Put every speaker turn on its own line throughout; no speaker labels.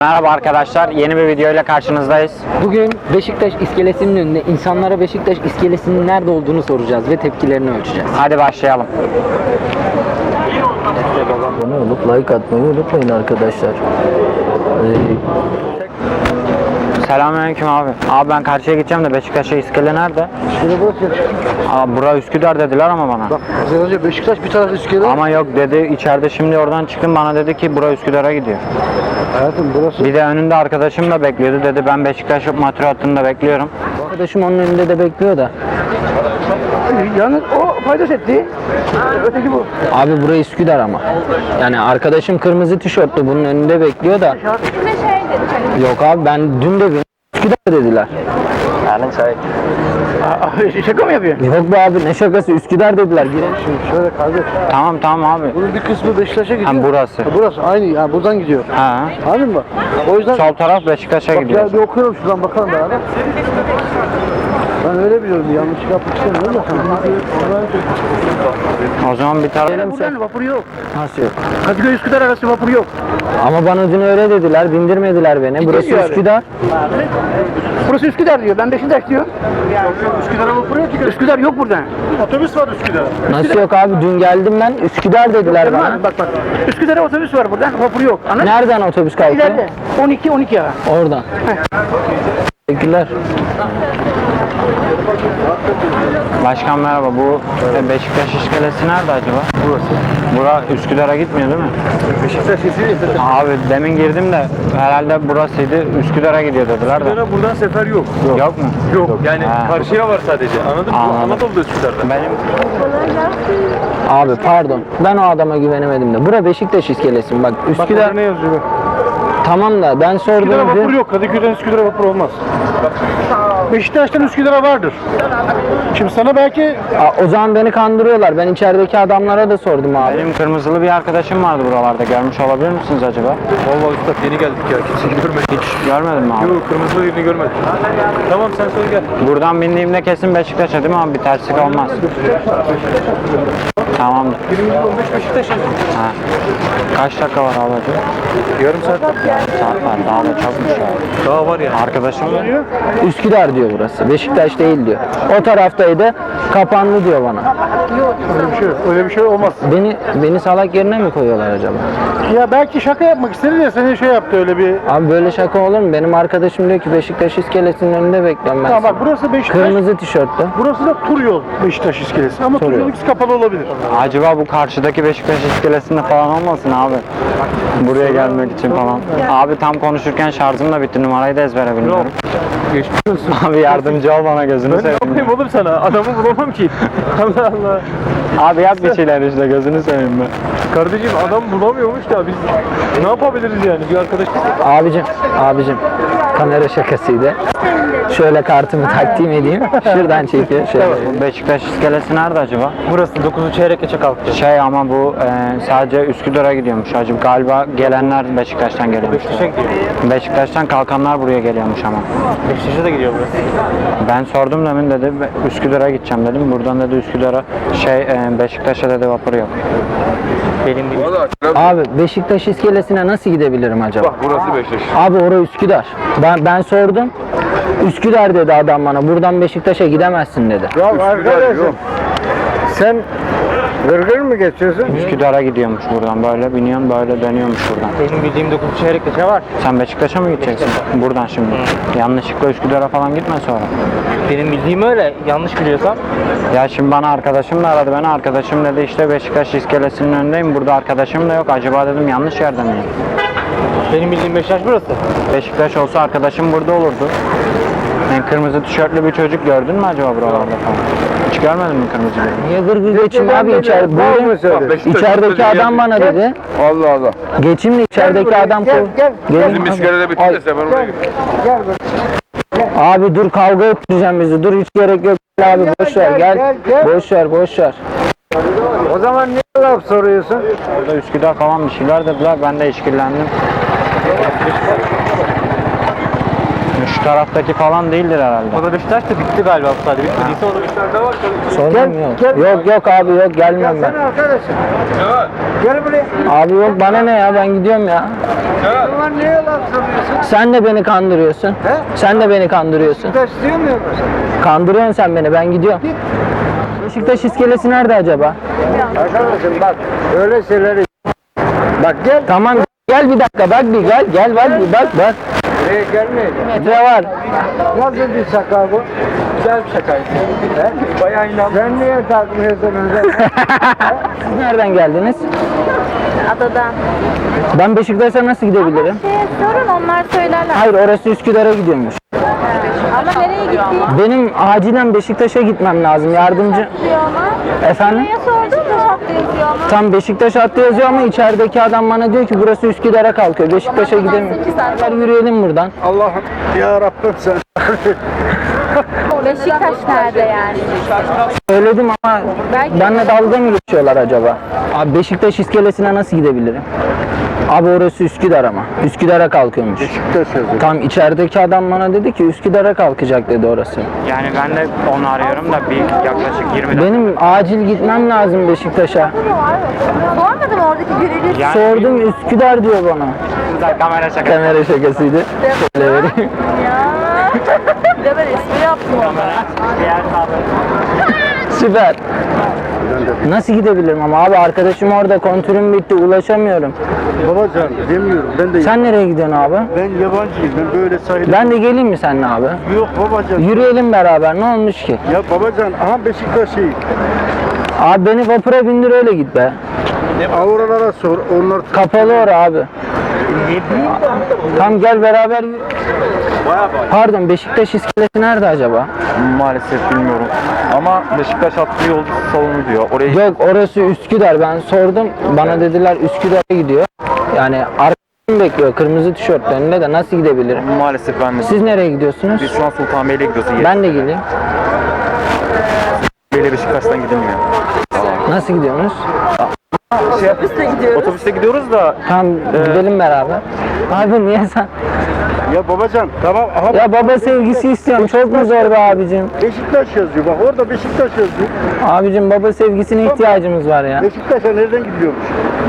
Merhaba arkadaşlar, yeni bir video ile karşınızdayız.
Bugün Beşiktaş iskelesinin önünde insanlara Beşiktaş iskelesinin nerede olduğunu soracağız ve tepkilerini ölçeceğiz.
Hadi başlayalım.
Abone olup like atmayı unutmayın arkadaşlar.
Selamünaleyküm abi. Abi ben karşıya gideceğim de Beşiktaş'a iskele nerede?
Şöyle bak ya.
Abi bura Üsküdar dediler ama bana.
Bak az önce Beşiktaş bir taraf iskele.
Ama yok dedi, içeride şimdi oradan çıktım, bana dedi ki bura Üsküdar'a gidiyor.
Hayatım burası.
Bir de önünde arkadaşım da bekliyordu, dedi ben Beşiktaş metro hattında bekliyorum.
Arkadaşım onun önünde de bekliyor da.
Yalnız o fayda etti. Öteki bu.
Abi burası Üsküdar ama. Yani arkadaşım kırmızı tişörtlü bunun önünde bekliyor da. Yok abi ben dün de Üsküdar dediler.
Yani çay.
Şaka mı yapıyorsun?
Yok be abi ne şakası Üsküdar dediler. Girelim.
Şimdi şöyle kardeş.
Tamam abi.
Bunun bir kısmı Beşiktaş'a gidiyor.
Ha, burası.
Burası aynı yani buradan gidiyor.
Ha.
Anladın mı? O yüzden
Sol taraf Beşiktaş'a
bak
gidiyor.
ya bir okuyorum şuradan bakalım beraber. Ben öyle biliyorum. Yanlış yapmak istemiyorum da.
O zaman bir taraf...
Buradan vapur yok.
Nasıl yok?
Kadıköy Üsküdar arası vapur yok.
Ama bana dün öyle dediler bindirmediler beni. Burası
diyor abi?
Üsküdar.
Burası Üsküdar diyor. Ben Beşiktaş diyor. Üsküdar'a vapur yok ki. Üsküdar yok burada. Otobüs var Üsküdar.
Nasıl yok abi dün geldim ben Üsküdar dediler bana.
Bak. Üsküdar'a otobüs var burada. Vapur yok. Anladın mı?
Nereden otobüs kalkıyor?
İleride. 12 ya.
Oradan. Teşekkürler.
Başkan merhaba, bu Beşiktaş iskelesi nerede acaba? Burası. Bura Üsküdar'a gitmiyor değil mi?
Beşiktaş sesi.
Abi demin girdim de herhalde burasıydı, Üsküdar'a gidiyor dediler de.
Üsküdar'a buradan sefer yok.
Yok mu?
Yok. Yani
Ha.
karşıya var sadece. Anladın mı?
Anladım.
Bu Anadolu'da Üsküdar'da.
Benim
Abi pardon ben o adama güvenemedim de. Bura Beşiktaş iskelesi mi? Bak Üsküdar
ne yazıyor?
tamam da ben
Üsküdar'a
sordum
vapur
dün.
yok. Kadıköy'den Üsküdar'a vapur olmaz. Beşiktaş'tan Üsküdar'a vardır. Şimdi sana belki
O zaman beni kandırıyorlar. Ben içerideki adamlara da sordum abi.
benim kırmızılı bir arkadaşım vardı buralarda. Görmüş olabilir misiniz acaba?
Vallahi üstad yeni geldik ya. Kimseyi görmedik. Hiç.
Görmedin mi abi?
Yok, kırmızı birini görmedik. Tamam sen söyle gel.
Buradan bindiğimde kesin Beşiktaş'a değil mi abi? Bir terslik olmaz. Tamamdır.
15 Beşiktaş yazıyor.
Ha. Kaç dakika var abi acaba?
Yarım saat.
Saat var. Daha da çokmuş ya.
Daha var ya.
Arkadaşım da
Üsküdar diyor burası. Beşiktaş değil diyor. O taraftaydı. Kapandı diyor bana.
öyle bir şey olmaz.
Beni salak yerine mi koyuyorlar acaba?
Ya belki şaka yapmak istedi de seni şey yaptı öyle bir.
Abi böyle şaka olur mu? Benim arkadaşım diyor ki Beşiktaş iskelesinin önünde bekliyorum ben.
Tamam bak
seni.
burası Beşiktaş.
Kırmızı tişörtlü.
Burası da tur yol Beşiktaş iskelesi. Ama tur
yol.
yol ikisi kapalı olabilir.
acaba bu karşıdaki Beşiktaş iskelesinde falan olmasın abi? Buraya gelmek için falan. Abi tam konuşurken şarjım da bitti. Numarayı da ezbere bilmiyorum.
Geçmiş olsun.
Abi yardımcı ol bana, gözünü
Ben ne
seveyim.
yapayım oğlum sana? Adamı bulamam ki. Allah Allah.
Abi yap bir şeyler işte, gözünü seveyim ben.
Kardeşim adam bulamıyormuş da biz ne yapabiliriz yani? Bir arkadaş
Abicim kamera şakasıydı. Şöyle kartımı takdim edeyim. Şuradan çekiyor. Şöyle.
Bu Beşiktaş iskelesi nerede acaba?
burası 9'u çeyrek geçe kalktı.
Şey ama bu sadece Üsküdar'a gidiyormuş acaba. Galiba gelenler Beşiktaş'tan geliyormuş.
Beşiktaş'a gidiyor.
Beşiktaş'tan kalkanlar buraya geliyormuş ama.
Beşiktaş'a da gidiyor burası.
Ben sordum demin, dedi Üsküdar'a gideceğim dedim. Buradan dedi Üsküdar'a Beşiktaş'a dedi vapur yok.
Benim değil.
Abi Beşiktaş iskelesine nasıl gidebilirim acaba?
Burası Beşiktaş.
Abi orası Üsküdar. Ben sordum. Üsküdar dedi adam bana. Buradan Beşiktaş'a gidemezsin dedi.
Ya arkadaşım sen gırgır mı geçiyorsun?
Üsküdar'a gidiyormuş buradan, böyle biniyorsun böyle dönüyormuş buradan.
Benim bildiğim 9'u çeyrek geçe var.
Sen Beşiktaş'a mı gideceksin? Buradan şimdi. Yanlışlıkla Üsküdar'a falan gitme sonra.
Benim bildiğim öyle. Yanlış biliyorsam.
Ya şimdi bana arkadaşım da aradı beni. Arkadaşım dedi işte Beşiktaş iskelesinin önündeyim. Burada arkadaşım da yok. Acaba dedim yanlış yerde miyim?
Benim bildiğim Beşiktaş burası.
Beşiktaş olsa arkadaşım burada olurdu. Yani kırmızı tişörtlü bir çocuk gördün mü acaba buralarda falan? Hiç görmedin mi kırmızı bir?
Niye gırgır geçeyim abi içeride? İçerideki adam bana dedi.
Allah Allah.
Geçeyim de içerideki adam
gel.
Gelin.
iskelede bitti de sen oraya
Abi dur kavga ettireceğim bizi. Dur hiç gerek yok. Gel abi boş ver gel. Boş ver.
O zaman niye laf soruyorsun?
Burada Üsküdar falan bir şeyler dediler. Ben de işkillendim. Şu taraftaki falan değildir herhalde.
O da Beşiktaş da bitti galiba bu sadece. Bitmediyse o da Beşiktaş'ta var.
Sordum yok. Yok abi yok gelmiyorum ben.
Arkadaşım. Gel buraya.
Abi yok bana ne ya ben gidiyorum ya.
Ulan niye yalan söylüyorsun?
Sen de beni kandırıyorsun.
He?
Sen de beni kandırıyorsun.
Beşiktaş diyor muyum?
Kandırıyorsun sen beni ben gidiyorum. Beşiktaş iskelesi nerede acaba?
Arkadaşım bak öyle şeyleri. Bak gel.
Tamam gel bir dakika bak bir gel bak bir bak.
Buraya gelmeyeceğim.
Metre var.
Nasıl bir şaka bu? Güzel bir şakaydı. He? Bayağı inandım. Sen niye takmıyorsun öyle?
Siz nereden geldiniz?
Adadan.
Ben Beşiktaş'a nasıl gidebilirim?
Sorun onlar söylerler.
Hayır orası Üsküdar'a gidiyormuş.
Ama nereye gittiğini
Benim acilen Beşiktaş'a gitmem lazım. Yardımcı.
diyor ama.
Efendim?
Neye sordun da şapta yazıyor ama.
Tam Beşiktaş hattı yazıyor ama içerideki adam bana diyor ki burası Üsküdar'a kalkıyor. Beşiktaş'a gidemiyorum. Gel yürüyelim buradan.
Allah'ım ya Rabbim sen.
Beşiktaş nerede yani?
Söyledim ama
Belki-
benimle dalga mı geçiyorlar acaba? Abi Beşiktaş iskelesine nasıl gidebilirim? Abi orası Üsküdar ama. Üsküdar'a kalkıyormuş.
Beşiktaş yazıyor.
Tam içerideki adam bana dedi ki Üsküdar'a kalkacak dedi orası.
Yani ben de onu arıyorum da bir yaklaşık 20 dakika.
Benim acil gitmem lazım Beşiktaş'a.
Sormadım oradaki görevli.
Yani
Sordum Üsküdar diyor bana.
güzel kamera şakası.
Kamera şakasıydı. Şöyle vereyim.
Ya. Bir de ben espri yaptım orada.
Diğer sağda.
Süper. Nasıl gidebilirim ama abi arkadaşım orada kontürüm bitti ulaşamıyorum.
Babacan demiyorum ben de
Sen nereye gidiyorsun abi?
ben yabancıyım ben böyle sahile.
Ben de geleyim mi seninle abi?
Yok babacan.
Yürüyelim beraber ne olmuş ki?
Ya babacan aha Beşiktaş şey.
Abi beni vapura bindir öyle git be.
Avralara sor onlar.
Kapalı ora abi. Tam gel beraber yürü- Pardon Beşiktaş iskelesi nerede acaba?
Maalesef bilmiyorum. Ama Beşiktaş hattı yolcu salonu diyor. Oraya
Yok orası Üsküdar ben sordum bana dediler Üsküdar'a gidiyor. Yani arkadaşım bekliyor kırmızı tişörtlü önünde de nasıl gidebilirim?
maalesef ben de.
Siz nereye gidiyorsunuz?
Biz şu an Sultanbeyli'ye gidiyoruz.
Ben de geleyim.
Sultanbeyli'ye Beşiktaş'tan gidilmiyor.
Nasıl gidiyorsunuz?
Otobüste gidiyoruz da
Tamam gidelim beraber. Abi niye sen?
Ya babacan tamam aha
Ya baba sevgisi istiyorum. Çok mu zor be abicim?
Beşiktaş yazıyor bak orada Beşiktaş yazıyor.
Abicim baba sevgisine ihtiyacımız var ya.
Beşiktaş'a nereden gidiyormuş?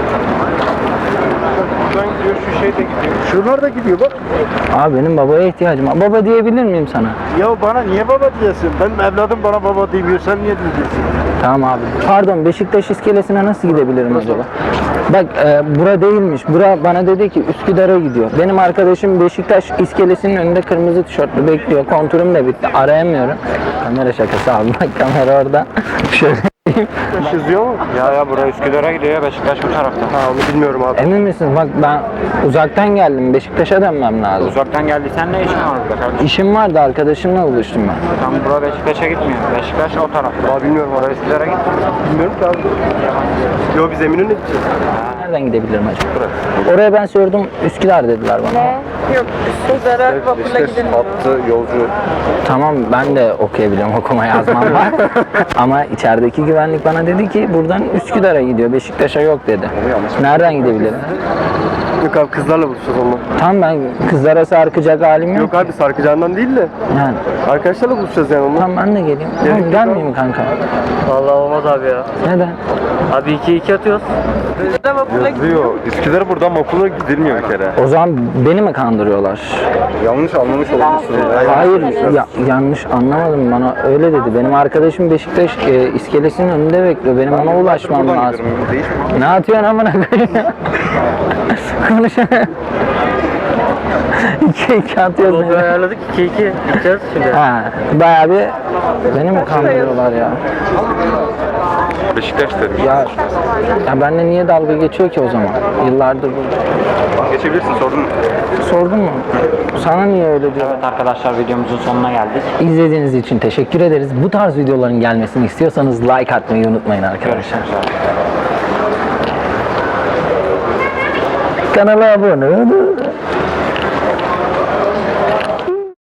şuradan gidiyor, şu şey de gidiyor.
Şunlar da gidiyor bak.
Abi benim babaya ihtiyacım var. Baba diyebilir miyim sana?
Ya bana niye baba diyorsun? Benim evladım bana baba demiyor sen niye diyeceksin?
Tamam abi. Pardon Beşiktaş iskelesine nasıl gidebilirim acaba? Bak bura değilmiş. Bura bana dedi ki Üsküdar'a gidiyor. Benim arkadaşım Beşiktaş iskelesinin önünde kırmızı tişörtlü bekliyor. Kontürüm de bitti. Arayamıyorum. Kamera şakası abi. Bak kamera orada. Şöyle
Yazıyor mu?
Ya buraya Üsküdar'a gidiyor ya Beşiktaş bu tarafta.
Ha onu bilmiyorum abi.
emin misin? Bak ben uzaktan geldim. Beşiktaş'a dönmem lazım.
Uzaktan geldiysen ne işin var burada kardeşim?
İşim vardı arkadaşımla buluştum ben.
Tam bura Beşiktaş'a gitmiyor. Beşiktaş o tarafta.
Abi bilmiyorum
Buraya Üsküdar'a gitmiyor.
Bilmiyorum ki abi. Yo biz Eminönü'ne gideceğiz.
Nereden gidebilirim acaba? Oraya ben sordum Üsküdar dediler bana.
Yok. Üsküdar'a vapurla gidilmiyor.
Hattı yolcu.
Tamam ben de okuyabiliyorum okuma yazmam var. Ama içerideki güvenlik bana dedi ki buradan Üsküdar'a gidiyor Beşiktaş'a yok dedi. Nereden gidebilirim?
Yok abi kızlarla buluşacağız onunla.
Tam ben kızlara sarkacak halim yok.
Yok abi sarkacağından değil de.
Yani
Arkadaşlarla buluşacağız yani onunla.
tam ben de geleyim. Oğlum, gelmeyeyim mi kanka?
Vallahi olmaz abi ya.
Neden?
Abi 2-2 atıyoruz.
Yazıyor. Üsküdar buradan okula gidilmiyor bir kere.
O zaman beni mi kandırıyorlar?
Yanlış anlamış olmuşsun.
Hayır yanlış anlamadım bana öyle dedi. Benim arkadaşım Beşiktaş iskelesinin önünde bekliyor. Benim ona ulaşmam lazım. Ne atıyorsun amına koyayım ya? Konuşamıyorum. 2-2 atıyoruz.
Yolu ayarladık 2-2 gideceğiz şimdi.
Ha, bayağı bir beni mi kandırıyorlar ya?
Beşiktaş dedim.
Ya benimle niye dalga geçiyor ki o zaman? Yıllardır burada.
Geçebilirsin sordun mu?
Sordun mu? Sana niye öyle diyor?
Evet arkadaşlar videomuzun sonuna geldik.
İzlediğiniz için teşekkür ederiz. Bu tarz videoların gelmesini istiyorsanız like atmayı unutmayın arkadaşlar.
Görüşmek üzere.
Kanala abone olun.